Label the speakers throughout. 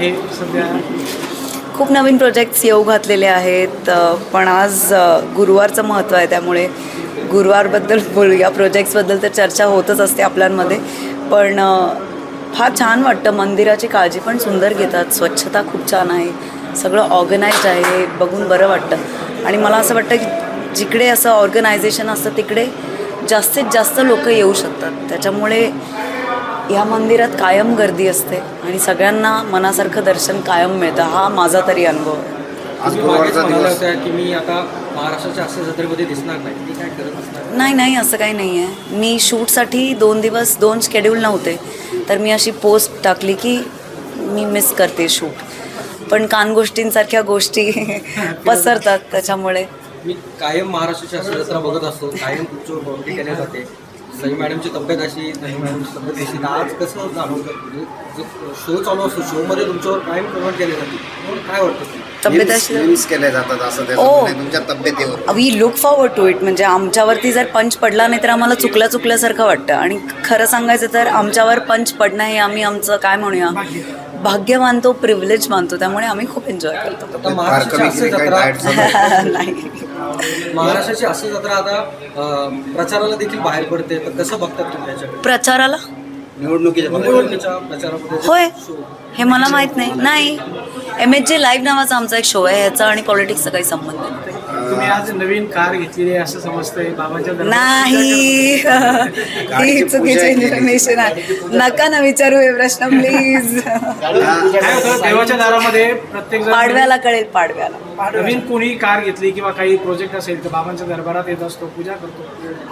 Speaker 1: आहे सध्या?
Speaker 2: खूप नवीन प्रोजेक्ट्स येऊ घातलेले आहेत, पण आज गुरुवारचं महत्त्व आहे, त्यामुळे गुरुवारबद्दल बोलूया. प्रोजेक्ट्सबद्दल तर चर्चा होतच असते आपल्यामध्ये, पण फार छान वाटतं. मंदिराची काळजी पण सुंदर घेतात, स्वच्छता खूप छान आहे, सगळं ऑर्गनाइज्ड आहे, बघून बरं वाटतं. आणि मला असं वाटतं की जिकडे असं ऑर्गनायझेशन असतं तिकडे जास्तीत जास्त लोक येऊ शकतात. त्याच्यामुळे या मंदिरात कायम गर्दी असते आणि सगळ्यांना मनासारखं दर्शन कायम मिळतं. हा माझा तरी अनुभव आहे.
Speaker 1: आज गुरुवारचा दिवस होता की मी आता महाराष्ट्राच्या असे जत्रेमध्ये दिसणार नाही, मी काय करत असणार?
Speaker 2: नाही, असं काही नाही आहे. मी शूटसाठी 2 दिवस 2 शेड्यूल नव्हते, तर मी अशी पोस्ट टाकली की मी मिस करते शूट. पण कानगोष्टींसारख्या गोष्टी पसरतात, त्याच्यामुळे
Speaker 1: मी कायम महाराष्ट्राची अशी जत्रा बघत असतो, कायम तुमच्यावर बाउंड्री केली जाते. सई मॅडमची तब्येत अशी, सई मॅडमची तब्येत अशी, तर आज कसं जाणवतं? म्हणजे जो शो चालू असतो, शोमध्ये तुमच्यावर कायम कमेंट केली जाते, काय वाटतं?
Speaker 2: तब्येत अशी
Speaker 3: केले जातात असं त्याच्यामुळे तुमच्या तब्येतीवर.
Speaker 2: We look forward to it. म्हणजे आमच्यावरती जर पंच पडला नाही तर आम्हाला चुकल्यासारखं वाटतं. आणि खरं सांगायचं तर आमच्यावर पंच पडणं हे आम्ही आमचं काय म्हणूया भाग्य मानतो, प्रिव्हिलेज मानतो. त्यामुळे आम्ही खूप एन्जॉय करतो.
Speaker 1: आता महाराष्ट्राची अशी जत्रा
Speaker 2: नाही,
Speaker 1: महाराष्ट्राची अशी जत्रा आता प्रचाराला देखील बाहेर पडते, तर कसं बघतात तुम्ही याच्याकडे?
Speaker 2: प्रचाराला
Speaker 1: निवडणुकीच्या प्रचारामध्ये
Speaker 2: होय, हे मला माहीत नाही. MHJ लाईव्ह नावाचा आमचा एक शो आहे, ह्याचा आणि पॉलिटिक्सचा काही संबंध नाही.
Speaker 1: तुम्ही आज नवीन कार घेतलेली आहे असं समजतंय बाबांच्या
Speaker 2: नाही. ही चुकीची इन्फॉर्मेशन आहे, नका ना विचारू हे प्रश्न प्लीज.
Speaker 1: काय होतं देवाच्या दारामध्ये प्रत्येक जण
Speaker 2: पाडव्याला कळेल, पाडव्याला.
Speaker 1: नवीन कोणी कार घेतली किंवा काही प्रोजेक्ट असेल तर बाबांच्या दरबारात येत असतो, पूजा करतो,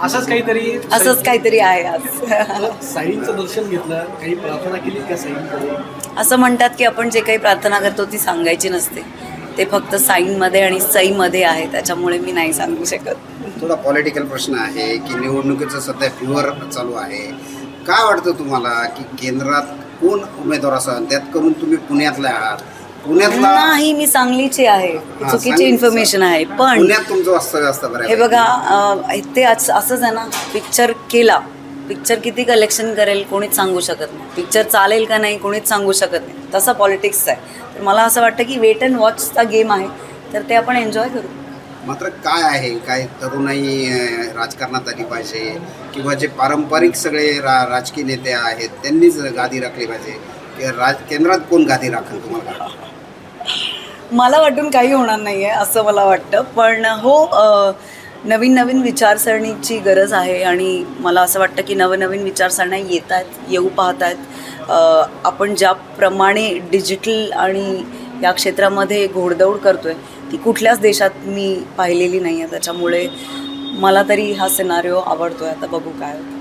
Speaker 1: असंच
Speaker 2: काहीतरी आहे आज.
Speaker 1: साईंचं दर्शन घेतलं, काही प्रार्थना केली का साईंकडे?
Speaker 2: असं म्हणतात की आपण जे काही प्रार्थना करतो ती सांगायची नसते, ते फक्त साईंमध्ये आणि सईमध्ये आहे, त्याच्यामुळे मी नाही सांगू शकत.
Speaker 3: थोडा पॉलिटिकल प्रश्न आहे की निवडणुकीचं सध्या फ्युअर चालू आहे. काय वाटतं तुम्हाला की केंद्रात कोण उमेदवार असावा? त्यात करून तुम्ही पुण्यातल्या आहात, पुण्यातला
Speaker 2: नाही, मी सांगलीची आहे. चुकीची इन्फॉर्मेशन आहे. पण
Speaker 3: पुण्यात तुमचं वास्तव्य असतं बरं.
Speaker 2: हे बघा, ते असंच आहे ना, पिक्चर केला, पिक्चर किती कलेक्शन करेल कोणीच सांगू शकत नाही, पिक्चर चालेल का नाही कोणीच सांगू शकत नाही. तसा पॉलिटिक्स आहे. तर मला असं वाटतं की वेट अँड वॉचचा गेम आहे, तर ते आपण एन्जॉय करू.
Speaker 3: मात्र काय आहे, काय तरुणाई राजकारणात आली पाहिजे किंवा जे पारंपरिक सगळे राजकीय नेते आहेत त्यांनीच गादी राखली पाहिजे की केंद्रात कोण गादी राखेल तुम्हाला?
Speaker 2: मला वाटून काही होणार नाही आहे असं मला वाटतं. पण हो, नवीन विचारसरणीची गरज आहे आणि मला असं वाटतं की नवीन विचारसरण्या येऊ पाहत आहेत. आपण ज्याप्रमाणे डिजिटल आणि या क्षेत्रामध्ये घोडदौड करतो आहे ती कुठल्याच देशात मी पाहिलेली नाही आहे. त्याच्यामुळे मला तरी हा सिनारिओ आवडतो आहे. आता बघू काय होतं.